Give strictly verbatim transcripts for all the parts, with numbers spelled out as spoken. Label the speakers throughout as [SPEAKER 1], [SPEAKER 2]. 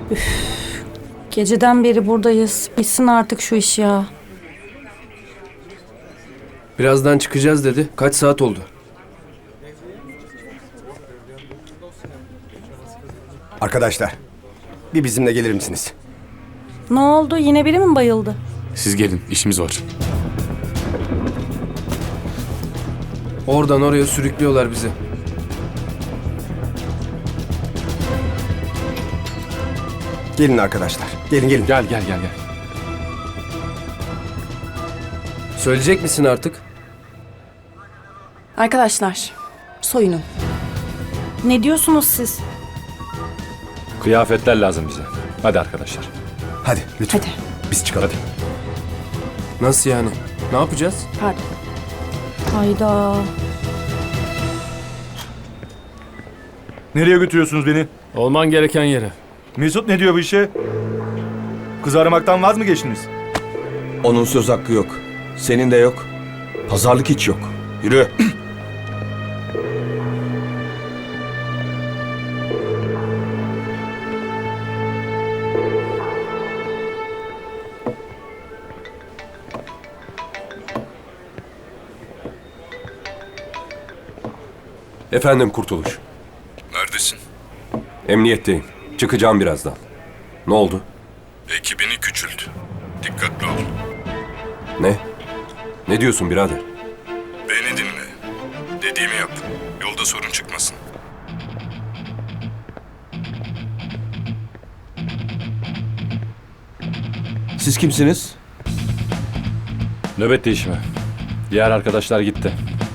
[SPEAKER 1] Geceden beri buradayız. Bitsin artık şu iş ya.
[SPEAKER 2] Birazdan çıkacağız dedi. Kaç saat oldu?
[SPEAKER 3] Arkadaşlar, bir bizimle gelir misiniz?
[SPEAKER 1] Ne oldu? Yine biri mi bayıldı?
[SPEAKER 4] Siz gelin, işimiz var.
[SPEAKER 2] Oradan oraya sürüklüyorlar bizi.
[SPEAKER 3] Gelin arkadaşlar, gelin gelin.
[SPEAKER 4] Gel, gel, gel, gel.
[SPEAKER 2] Söyleyecek misin artık?
[SPEAKER 5] Arkadaşlar, soyunun.
[SPEAKER 1] Ne diyorsunuz siz?
[SPEAKER 4] Kıyafetler lazım bize. Hadi arkadaşlar.
[SPEAKER 3] Hadi lütfen,
[SPEAKER 5] Hadi.
[SPEAKER 3] biz çıkalım.
[SPEAKER 2] Nasıl yani? Ne yapacağız?
[SPEAKER 5] Pardon.
[SPEAKER 1] Hayda.
[SPEAKER 6] Nereye götürüyorsunuz beni?
[SPEAKER 4] Olman gereken yere.
[SPEAKER 6] Mesut ne diyor bu işe? Kız aramaktan vaz mı geçtiniz?
[SPEAKER 7] Onun söz hakkı yok. Senin de yok. Pazarlık hiç yok. Yürü.
[SPEAKER 8] Efendim Kurtuluş.
[SPEAKER 9] Neredesin?
[SPEAKER 8] Emniyetteyim. Çıkacağım birazdan. Ne oldu?
[SPEAKER 9] Ekibini küçült. Dikkatli ol.
[SPEAKER 8] Ne? Ne diyorsun birader?
[SPEAKER 9] Beni dinle. Dediğimi yap. Yolda sorun çıkmasın.
[SPEAKER 7] Siz kimsiniz?
[SPEAKER 4] Nöbet değişimi. Diğer arkadaşlar gitti.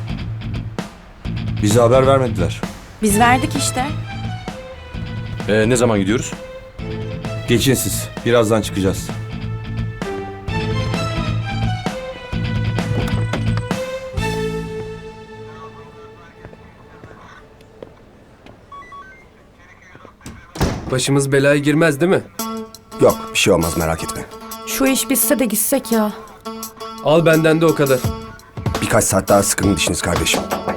[SPEAKER 7] Bize haber vermediler.
[SPEAKER 5] Biz verdik işte.
[SPEAKER 4] Ee, ne zaman gidiyoruz?
[SPEAKER 7] Geçin siz. Birazdan çıkacağız.
[SPEAKER 2] Başımız belaya girmez değil mi?
[SPEAKER 3] Yok, bir şey olmaz merak etme.
[SPEAKER 1] Şu iş bitse de gitsek ya.
[SPEAKER 2] Al benden de o kadar.
[SPEAKER 3] Birkaç saat daha sıkın dişiniz kardeşim.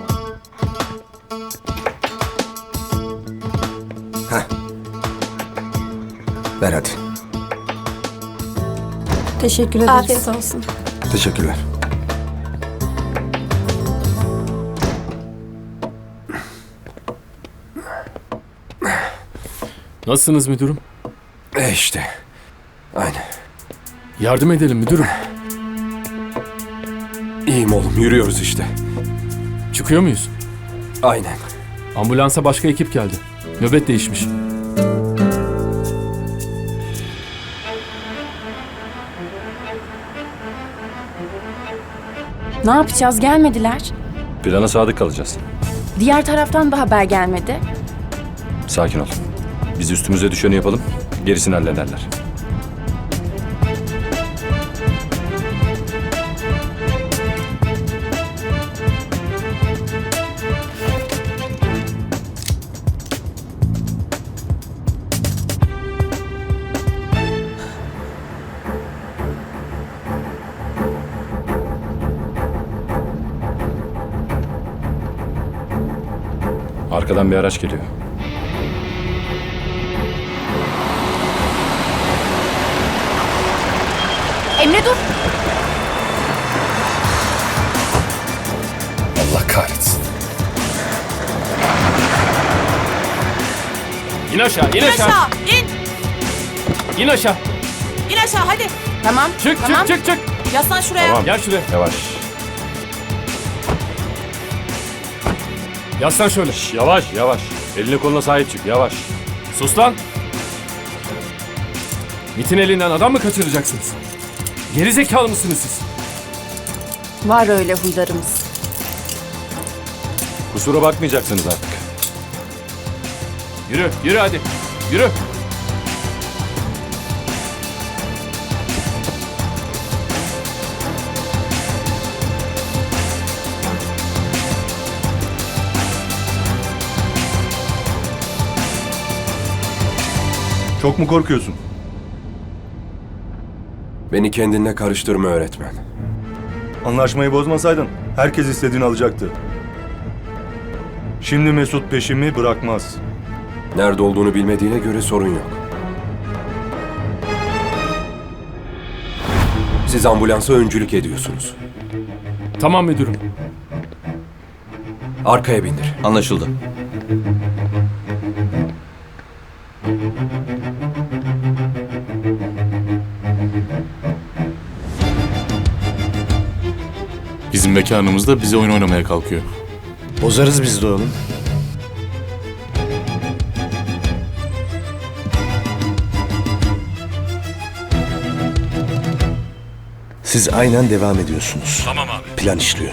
[SPEAKER 3] Heh. Ver hadi.
[SPEAKER 1] Teşekkür ederiz.
[SPEAKER 5] Afiyet olsun.
[SPEAKER 3] Teşekkürler.
[SPEAKER 4] Nasılsınız müdürüm?
[SPEAKER 8] E işte. Aynen.
[SPEAKER 4] Yardım edelim müdürüm.
[SPEAKER 8] İyiyim oğlum, yürüyoruz işte.
[SPEAKER 4] Çıkıyor muyuz?
[SPEAKER 8] Aynen.
[SPEAKER 4] Ambulansa başka ekip geldi. Nöbet değişmiş.
[SPEAKER 5] Ne yapacağız? Gelmediler.
[SPEAKER 4] Plana sadık kalacağız.
[SPEAKER 5] Diğer taraftan da haber gelmedi.
[SPEAKER 4] Sakin ol. Biz üstümüze düşeni yapalım. Gerisini hallederler. Arkadan bir araç geliyor.
[SPEAKER 5] Emre dur.
[SPEAKER 4] Allah kahretsin. İn aşağı, in aşağı.
[SPEAKER 10] İn!
[SPEAKER 4] İn aşağı.
[SPEAKER 10] İn aşağı hadi.
[SPEAKER 5] Tamam.
[SPEAKER 4] Çık,
[SPEAKER 5] tamam.
[SPEAKER 4] çık, çık, çık.
[SPEAKER 10] Yaslan şuraya.
[SPEAKER 4] Tamam, gel şuraya. Yavaş. Yaslan şöyle. Şş, yavaş, yavaş. Eline koluna sahip çık, yavaş. Sus lan. MİT'in elinden adam mı kaçıracaksınız? Geri zekalı mısınız siz?
[SPEAKER 5] Var öyle huylarımız.
[SPEAKER 4] Kusura bakmayacaksınız artık. Yürü, yürü hadi. Yürü.
[SPEAKER 6] Çok mu korkuyorsun?
[SPEAKER 8] Beni kendinle karıştırma öğretmen.
[SPEAKER 6] Anlaşmayı bozmasaydın herkes istediğini alacaktı. Şimdi Mesut peşimi bırakmaz.
[SPEAKER 8] Nerede olduğunu bilmediğine göre sorun yok. Siz ambulansa öncülük ediyorsunuz.
[SPEAKER 6] Tamam müdürüm.
[SPEAKER 8] Arkaya bindir.
[SPEAKER 7] Anlaşıldı.
[SPEAKER 9] Bizim mekanımızda bize oyun oynamaya kalkıyor.
[SPEAKER 7] Bozarız biz de oğlum. Siz aynen devam ediyorsunuz.
[SPEAKER 9] Tamam abi.
[SPEAKER 7] Plan işliyor.